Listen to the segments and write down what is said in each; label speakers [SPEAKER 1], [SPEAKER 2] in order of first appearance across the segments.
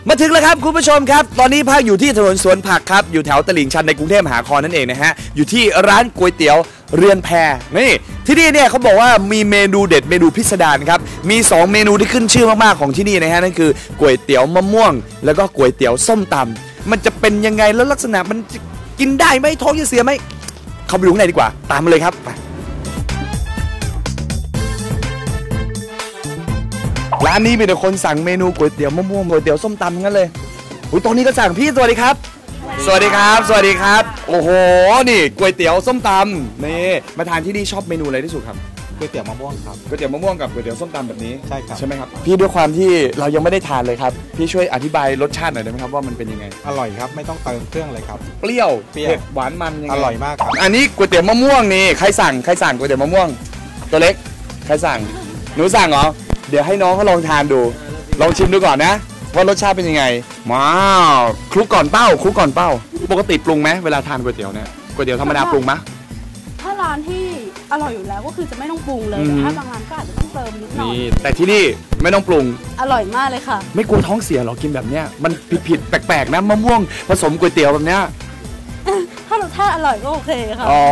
[SPEAKER 1] มาถึงแล้วครับคุณผู้ชมครับตอนนี้ภาคอยู่ที่ถนนสวนผักครับอยู่แถวตลิ่งชันในกรุงเทพมหานครนั่นเองนะฮะอยู่ที่ร้านก๋วยเตี๋ยวเรือนแพนี่ที่นี่เนี่ยเขาบอกว่ามีเมนูเด็ดเมนูพิสดารครับมี2เมนูที่ขึ้นชื่อมากๆของที่นี่นะฮะนั่นคือก๋วยเตี๋ยวมะม่วงแล้วก็ก๋วยเตี๋ยวส้มตำมันจะเป็นยังไงแล้วลักษณะมันจะกินได้ไหมท้องจะเสียไหมเข้าไปดูข้างในดีกว่าตามมาเลยครับร้านนี้มีแต่คนสั่งเมนูก๋วยเตี๋ยวมะม่วงก๋วยเตี๋ยวส้มตำทั้งนั้นเลยอุ้ยตอนนี้ก็สั่งพี่สวัสดีครับสวัสดีครับสวัสดีครับโอ้โหนี่ก๋วยเตี๋ยวส้มตำนี่มาทานที่นี่ชอบเมนูอะไรที่สุดครับ
[SPEAKER 2] ก๋วยเตี๋ยวมะม่วงครับ
[SPEAKER 1] ก๋วยเตี๋ยวมะม่วงกับก๋วยเตี๋ยวส้มตำแบบนี้
[SPEAKER 2] ใช่ครับ
[SPEAKER 1] ใช่ไหมครับพี่ด้วยความที่เรายังไม่ได้ทานเลยครับพี่ช่วยอธิบายรสชาติหน่อยได้ไหมครับว่ามันเป็นยังไง
[SPEAKER 2] อร่อยครับไม่ต้องเติมเครื่องเลยครับ
[SPEAKER 1] เปรี้ยวเผ็ดหวานมันยังไง
[SPEAKER 2] อร่อยมากครับ
[SPEAKER 1] อันนี้ก๋วยเตี๋ยวมะม่วงนี่ใครสั่งก๋วยเตี๋ยวมะม่วงตัวเล็กใครสั่งหนูสั่งเหรอเดี๋ยวให้น้องเขาลองทานดูลองชิมดูก่อนนะว่ารสชาติเป็นยังไงว้าวคลุกก่อนเป้าปกติปรุงไหมเวลาทานก๋วยเตี๋ยวเนี่ยก๋วยเตี๋ยวธรรมดาปรุงไหม
[SPEAKER 3] ถ้าร้านที่อร่อยอยู่แล้วก็คือจะไม่ต้องปรุงเลยแต่ถ้าบางร้านก็อาจจะต้องเติมนิดหน่อย
[SPEAKER 1] แต่ที่นี่ไม่ต้องปรุง
[SPEAKER 3] อร่อยมากเลยค่ะ
[SPEAKER 1] ไม่กลัวท้องเสียหรอกินแบบเนี้ยมันผิดแปลกๆนะมะม่วงผสมก๋วยเตี๋ยวแบบเนี้ย
[SPEAKER 3] ถ้ารสชาติอร่อยก็โอเคค่ะ
[SPEAKER 1] อ๋อ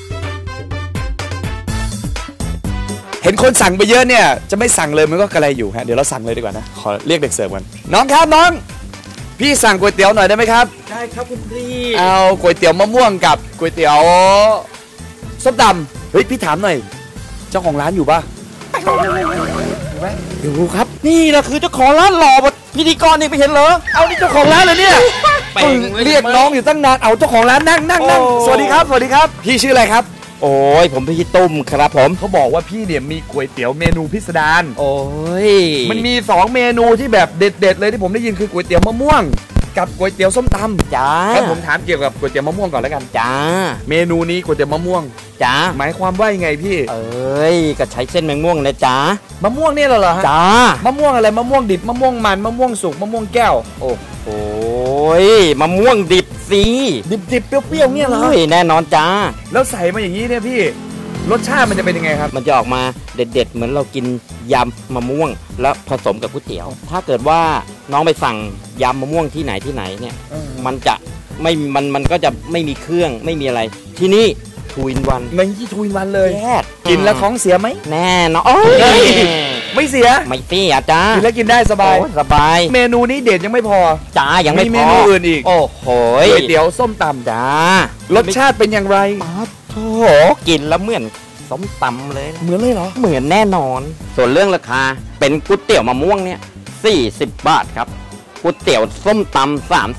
[SPEAKER 1] เห็นคนสั่งไปเยอะเนี่ยจะไม่สั่งเลยมันก็กระไรอยู่ฮะเดี๋ยวเราสั่งเลยดีกว่านะขอเรียกเด็กเสิร์ฟกันน้องครับน้องพี่สั่งก๋วยเตี๋ยวหน่อยได้ไหมครับ
[SPEAKER 2] ได้ครับคุณพี่
[SPEAKER 1] เอาก๋วยเตี๋ยวมะม่วงกับก๋วยเตี๋ยวส้มตำเฮ้ยพี่ถามหน่อยเจ้าของร้านอยู่ปะอยู่ครับ
[SPEAKER 2] นี่นะคือเจ้าของร้านหล่อพิธีกรนี่ไปเห็นเหรอ
[SPEAKER 1] เอานี่เจ้าของร้านเลยเนี่ยเรียกน้องอยู่ตั้งนานเอาเจ้าของร้านนั่งสวัสดีครับพี่ชื่ออะไรครับ
[SPEAKER 2] โอ้ยผมพี่ตุ้มครับผม
[SPEAKER 1] เขาบอกว่าพี่เนี่ยมีก๋วยเตี๋ยวเมนูพิสดาร
[SPEAKER 2] โอ้ย
[SPEAKER 1] มันมี2เมนูที่แบบเด็ดๆเลยที่ผมได้ยินคือก๋วยเตี๋ยวมะม่วงกับก๋วยเตี๋ยวส้มตำ
[SPEAKER 2] จ้า
[SPEAKER 1] แล้วผมถามเกี่ยวกับก๋วยเตี๋ยวมะม่วงก่อนแล้วกัน
[SPEAKER 2] จ้า
[SPEAKER 1] เมนูนี้ก๋วยเตี๋ยวมะม่วง
[SPEAKER 2] จ้า
[SPEAKER 1] หมายความว่ายังไงพี่
[SPEAKER 2] เอ้ยก็ใช้เส้นมะม่วงนะจ้าม
[SPEAKER 1] ะม่วงเนี่ยเหรอฮะ
[SPEAKER 2] จ้าม
[SPEAKER 1] ะม่วงอะไรมะม่วงดิบมะม่วงมันมะม่วงสุกมะม่วงแก้ว
[SPEAKER 2] โอ้โหมะม่วงดิบสิ
[SPEAKER 1] ดิบเปรี้ยวๆเนี่ยเหรอ
[SPEAKER 2] แน่นอนจ้า
[SPEAKER 1] แล้วใส่มาอย่างนี้เนี่ยพี่รสชาติมันจะเป็นยังไงครับ
[SPEAKER 2] มันจะออกมาเด็ดๆเหมือนเรากินยำมะม่วงแล้วผสมกับก๋วยเตี๋ยวถ้าเกิดว่าน้องไปสั่งยำมะม่วงที่ไหนเนี่ยมันจะไม่มันก็จะไม่มีเครื่องไม่มีอะไรที่นี่ทูอินวัน
[SPEAKER 1] มันที่ทูอินวันเลย
[SPEAKER 2] แยก
[SPEAKER 1] กินแล้วท้องเสียไหม
[SPEAKER 2] แน่นอน
[SPEAKER 1] ไม่เสีย
[SPEAKER 2] จ้า
[SPEAKER 1] กินแล้วกินได้สบายเมนูนี้เด็ดยังไม่พอ
[SPEAKER 2] จ้ายังไม่พอ
[SPEAKER 1] มีเมนูอื่นอีก
[SPEAKER 2] โอ้โห
[SPEAKER 1] ก๋วยเตี๋ยวส้มตำ
[SPEAKER 2] จ้าร
[SPEAKER 1] สชาติเป็นอย่างไร
[SPEAKER 2] โอ้โหกินแล้วเหมือนส้มตำเลย
[SPEAKER 1] เหมือนเลยเหรอ
[SPEAKER 2] เหมือนแน่นอนส่วนเรื่องราคาเป็นก๋วยเตี๋ยวมะม่วงเนี่ย40 บาทครับก๋วยเตี๋ยวส้มตำ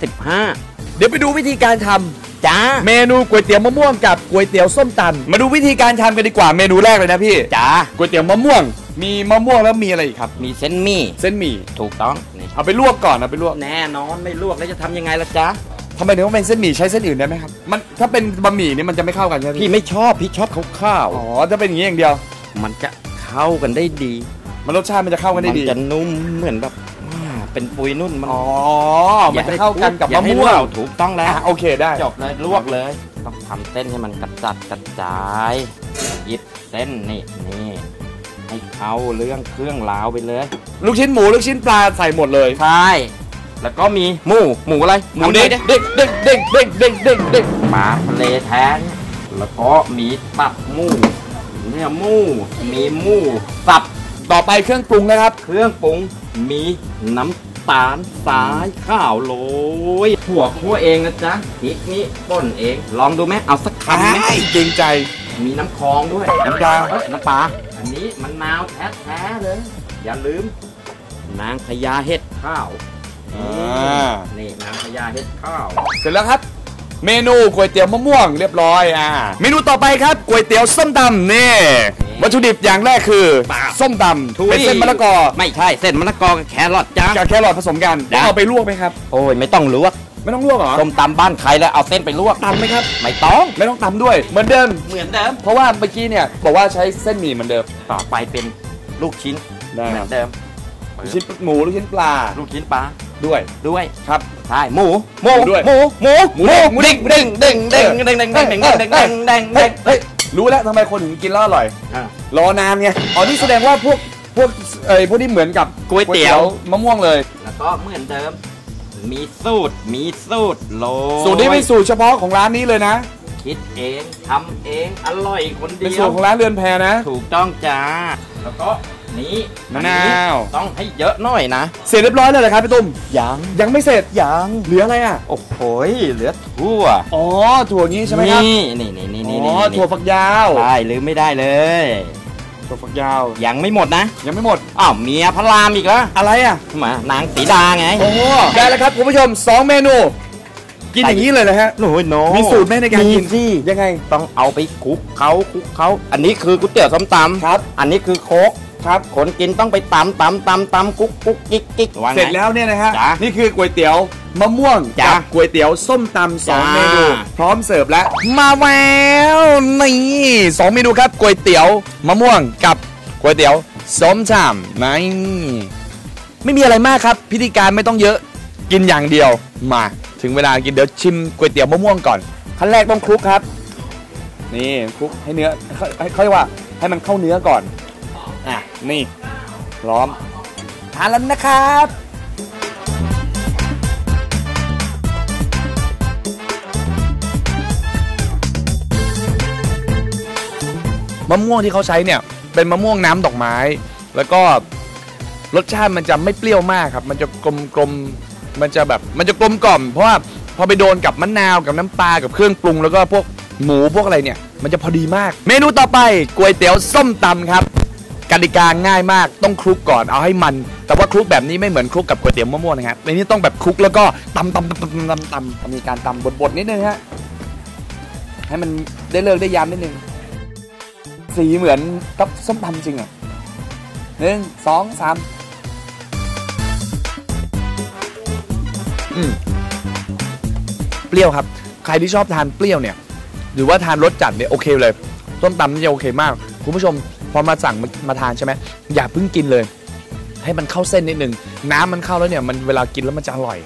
[SPEAKER 2] 35
[SPEAKER 1] เดี๋ยวไปดูวิธีการทำ
[SPEAKER 2] จ้า
[SPEAKER 1] เมนูก๋วยเตี๋ยวมะม่วงกับก๋วยเตี๋ยวส้มตำมาดูวิธีการทำกันดีกว่าเมนูแรกเลยนะพี่
[SPEAKER 2] จ้า
[SPEAKER 1] ก๋วยเตี๋ยวมะม่วงมีมะม่วงแล้วมีอะไรอีกครับ
[SPEAKER 2] มีเส้นหมี่ถูกต้อง
[SPEAKER 1] เอาไปลวกก่อนเอาไปลวก
[SPEAKER 2] แน่นอนไม่ลวกแล้วจะทำยังไงล่ะจ๊ะ
[SPEAKER 1] ทำไมถึงต้องเป็นเส้นหมี่ใช้เส้นอื่นได้ไหมครับมันถ้าเป็นบะหมี่นี่มันจะไม่เข้ากันใช่ไหม
[SPEAKER 2] พี่ไม่ชอบพี่ชอบข้าว
[SPEAKER 1] อ๋อจะเป็นอย่างนี้อย่างเดียว
[SPEAKER 2] มันจะเข้ากันได้ดี
[SPEAKER 1] มันรสชาติมันจะเข้ากันได้ดี
[SPEAKER 2] มันจะนุ่มเหมือนแบบเป็นปุยนุ่นมัน
[SPEAKER 1] มันจะเข้ากันกับมะม่วง
[SPEAKER 2] ถูกต้องแล้ว
[SPEAKER 1] โอเคได้
[SPEAKER 2] จบเลยลวกเลยต้องทำเส้นให้มันกระจายหยิบเส้นนี่ให้เข้าเรื่องเครื่องลาวไปเลย
[SPEAKER 1] ลูกชิ้นหมูลูกชิ้นปลาใส่หมดเลย
[SPEAKER 2] ใช่แล้วก็มีหมูอะไร
[SPEAKER 1] หมูเด้ง
[SPEAKER 2] ปลาทะเลแท้แล้วก็มีตับหมูเนี่ยหมูมีหมูสับ
[SPEAKER 1] ต่อไปเครื่องปรุงนะครับ
[SPEAKER 2] เครื่องปรุงมีน้ำตาลสายข้าวโรยถั่วคั่วเองนะจ๊ะพริกนี่ป่นเองลองดูไหมเอาสักคำไหม
[SPEAKER 1] จริงใจ
[SPEAKER 2] มีน้ำคองด้วย
[SPEAKER 1] น้ำปลา
[SPEAKER 2] อันนี้มะนาวแท้ๆเลยอย่าลืมนางพญาเห็ดข้าวนี่นางพญาเห็ดข้าว
[SPEAKER 1] เสร็จแล้วครับเมนูก๋วยเตี๋ยวมะม่วงเรียบร้อยเมนูต่อไปครับก๋วยเตี๋ยวส้มตำนี่วัตถุดิบอย่างแรกคือส้มตำเป็นเส้นมะละกอ
[SPEAKER 2] ไม่ใช่เส้นมะละกอกับแครอทจ้า
[SPEAKER 1] กับแครอทผสมกันเอาไปลวกไหมครับ
[SPEAKER 2] โอ้ยไม่ต้องลวก
[SPEAKER 1] เหรอ
[SPEAKER 2] ส้มตำบ้านใครแล้วเอาเส้นไปลวก
[SPEAKER 1] ตำไหมครับ
[SPEAKER 2] ไม่ต้อง
[SPEAKER 1] ตำด้วยเหมือนเดิมเพราะว่าเมื่อกี้เนี่ยบอกว่าใช้เส้นหมี่เหมือนเดิม
[SPEAKER 2] ต่อไปเป็นลูกชิ้นเหมือนเดิม
[SPEAKER 1] ลูกชิ้นหมูลูกชิ้นปลา
[SPEAKER 2] ด้วย
[SPEAKER 1] ครับ
[SPEAKER 2] ใช่หมู
[SPEAKER 1] ด้วย
[SPEAKER 2] หมูเด้ง
[SPEAKER 1] รู้แล้วทำไมคนถึงกินแล้วอร่อยรอนานไงอ๋อนี่แสดงว่าพวกที่เหมือนกับ
[SPEAKER 2] ก๋วยเตี๋ยว
[SPEAKER 1] มะม่วงเลย
[SPEAKER 2] แล้วก็เหมือนเดิมมีสูตรโรย
[SPEAKER 1] สูตรนี้เป็นสูตรเฉพาะของร้านนี้เลยนะ
[SPEAKER 2] คิดเองทำเองอร่อยคนเดี
[SPEAKER 1] เป็น
[SPEAKER 2] ย
[SPEAKER 1] สูต
[SPEAKER 2] ว
[SPEAKER 1] รของร้านเรือนแพนะ
[SPEAKER 2] ถูกต้องจ้าแล้วก็นี้
[SPEAKER 1] มะนาว
[SPEAKER 2] ต้องให้เยอะหน่อยนะ
[SPEAKER 1] เสร็จเรียบร้อยแล้วเหรอครับพี่ตุ้ม
[SPEAKER 2] ยัง
[SPEAKER 1] ยังไม่เสร็จ
[SPEAKER 2] ยัง
[SPEAKER 1] เหลืออะไรอ่ะ
[SPEAKER 2] โอ้โหเหลือทั่ว
[SPEAKER 1] อ๋อถั่วงี้ใช่ไหมครับ
[SPEAKER 2] นี่
[SPEAKER 1] อ๋อถั่วฝักยาว
[SPEAKER 2] ใช่ลืมไม่ได้เลย
[SPEAKER 1] ถั่วฝักยาว
[SPEAKER 2] ยังไม่หมดนะ
[SPEAKER 1] ยังไม่หมด
[SPEAKER 2] อ้าวเมียพระรามอีกแล้ว
[SPEAKER 1] อะไรอ่ะ
[SPEAKER 2] มานางสีดาไง
[SPEAKER 1] โอ้โหได้แล้วครับคุณผู้ชม2เมนู กินอย่างนี้เลยนะฮะ
[SPEAKER 2] โอ้ยโน
[SPEAKER 1] มีสูตรไหมในการกิน
[SPEAKER 2] สิ
[SPEAKER 1] ยังไง
[SPEAKER 2] ต้องเอาไปคลุกเขาอันนี้คือก๋วยเตี๋ยวส้มตำ
[SPEAKER 1] ครับ
[SPEAKER 2] อันนี้คือโคก
[SPEAKER 1] ครับ
[SPEAKER 2] คนกินต้องไปตำกุ๊กกิ๊กว่าไง
[SPEAKER 1] เสร็จแล้วเนี่ยนะฮะ
[SPEAKER 2] จ้ะ
[SPEAKER 1] นี่คือก๋วยเตี๋ยวมะม่วง
[SPEAKER 2] จ้ะ
[SPEAKER 1] กับก๋วยเตี๋ยวส้มตำสอง
[SPEAKER 2] จ้ะ
[SPEAKER 1] เมนูพร้อมเสิร์ฟแล้วมาแล้วนี่2เมนูครับก๋วยเตี๋ยวมะม่วงกับก๋วยเตี๋ยวส้มตำนี่ไม่มีอะไรมากครับ พิธีการไม่ต้องเยอะกินอย่างเดียวมาถึงเวลากินเดี๋ยวชิมก๋วยเตี๋ยวมะม่วงก่อนขั้นแรกต้องคลุกครับนี่คลุกให้เนื้อเขาเรียกว่าให้มันเข้าเนื้อก่อนอ่ะนี่พร้อมทานแล้วนะครับมะม่วงที่เขาใช้เนี่ยเป็นมะม่วงน้ำดอกไม้ แล้วก็รสชาติมันจะไม่เปรี้ยวมากครับมันจะกลมมันจะกลมกล่อมเพราะว่าพอไปโดนกับมะนาวกับน้ำปลากับเครื่องปรุงแล้วก็พวกหมูพวกอะไรเนี่ยมันจะพอดีมาก เมนูต่อไปก๋วยเตี๋ยวส้มตำครับกติกาง่ายมากต้องคลุกก่อนเอาให้มันแต่ว่าคลุกแบบนี้ไม่เหมือนคลุกกับก๋วยเตี๋ยวมะม่วงนะครับในนี้ต้องแบบคลุกแล้วก็ตำมีการตำบดนิดนึงฮะให้มันได้เลิกได้ยามนิดนึงสีเหมือนกับส้มตำจริงอ่ะ1 2 3เปรี้ยวครับใครที่ชอบทานเปรี้ยวเนี่ยหรือว่าทานรสจัดเนี่ยโอเคเลยส้มตำนี่จะโอเคมากคุณผู้ชมพอมาสั่งมาทานใช่ไหมอย่าเพิ่งกินเลยให้มันเข้าเส้นนิดนึงน้ำมันเข้าแล้วเนี่ยมันเวลากินแล้วมันจะอร่อย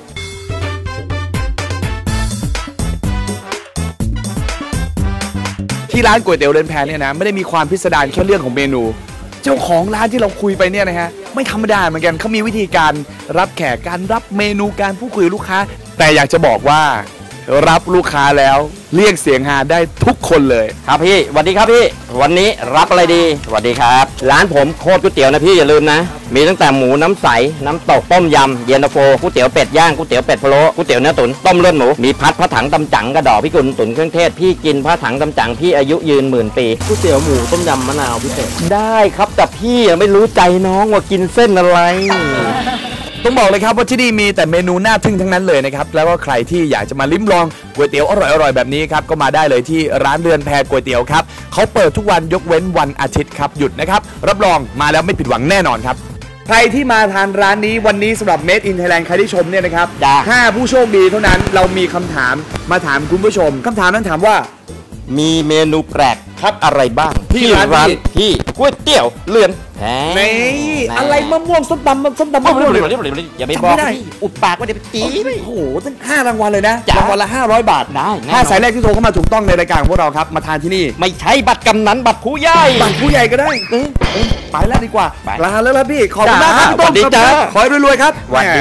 [SPEAKER 1] ที่ร้านก๋วยเตี๋ยวเรือนแพเนี่ยนะไม่ได้มีความพิสดารแค่เรื่องของเมนูเจ้าของร้านที่เราคุยไปเนี่ยนะฮะไม่ธรรมดาเหมือนกันเขามีวิธีการรับแขกการรับเมนูการพูดคุยกับลูกค้าแต่อยากจะบอกว่ารับลูกค้าแล้วเรียกเสียงฮาได้ทุกคนเลย
[SPEAKER 2] ครับพี่สวัสดีครับพี่วันนี้รับอะไรดีสวัสดีครับร้านผมโคตรก๋วยเตี๋ยวนะพี่อย่าลืมนะมีตั้งแต่หมูน้ำใสน้ำตกต้มยำเย็นตาโฟก๋วยเตี๋ยวเป็ดย่างก๋วยเตี๋ยวเป็ดพะโล้ก๋วยเตี๋ยวเนื้อตุ๋นต้มเลือดหมูมีพัดพระถังตำจั๋งกระดอกพี่กุลตุ๋นเครื่องเทศพี่กินพระถังตำจั๋งพี่อายุยืน10,000 ปีก๋วยเตี๋ยวหมูต้มยำมะนาวพิเศษได้ครับแต่พี่ไม่รู้ใจน้องว่ากินเส้นอะไร
[SPEAKER 1] ต้องบอกเลยครับว่าที่นี่มีแต่เมนูน่าทึ่งทั้งนั้นเลยนะครับแล้วก็ใครที่อยากจะมาลิ้มลองก๋วยเตี๋ยวอร่อยๆแบบนี้ครับก็มาได้เลยที่ร้านเรือนแพก๋วยเตี๋ยวครับเขาเปิดทุกวันยกเว้นวันอาทิตย์ครับหยุดนะครับรับรองมาแล้วไม่ผิดหวังแน่นอนครับใครที่มาทานร้านนี้วันนี้สำหรับ Made in Thailand ใครที่ชมเนี่ยนะครับ
[SPEAKER 2] จ้ะ
[SPEAKER 1] 5 ผู้โชคดีเท่านั้นเรามีคำถามมาถามคุณผู้ชมคำถามนั้นถามว่า
[SPEAKER 2] มีเมนูแปลกครับอะไรบ้าง
[SPEAKER 1] ที่ร้านนี้
[SPEAKER 2] ที่ก๋วยเตี๋ยวเรือนแพ
[SPEAKER 1] นี่อะไรมะม่วงส้มตำมะม่วง
[SPEAKER 2] อย่าไป
[SPEAKER 1] จำ
[SPEAKER 2] บ
[SPEAKER 1] ไม่
[SPEAKER 2] อก
[SPEAKER 1] ได้
[SPEAKER 2] พี่อุดปากว่าเดี๋ยวไปตี
[SPEAKER 1] โอ้โหตั้ง5 รางวัลเลยนะ
[SPEAKER 2] จ้ะ
[SPEAKER 1] รางวัลละ500 บาท
[SPEAKER 2] ได้แน่นอน
[SPEAKER 1] 5 สายแรกที่โทรเข้ามาถูกต้องในรายการของพวกเราครับมาทานที่นี่
[SPEAKER 2] ไม่ใช่บัตรกำนันบัตรผู้ใหญ่
[SPEAKER 1] บัตรผู้ใหญ่ก็ได้ไปแล้วดีกว่า
[SPEAKER 2] ไป
[SPEAKER 1] ลาแล้วล่ะพี่ ขอบคุณมากครับพี่
[SPEAKER 2] สวั
[SPEAKER 1] ต้
[SPEAKER 2] สดีจ้า
[SPEAKER 1] ขอให้รวยๆครับ
[SPEAKER 2] สวัสดี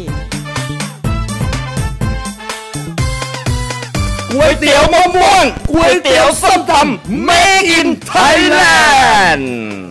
[SPEAKER 1] ก๋วยเตี๋ยวมะม่วงก๋วยเตี๋ยวส้มตำ Made in Thailand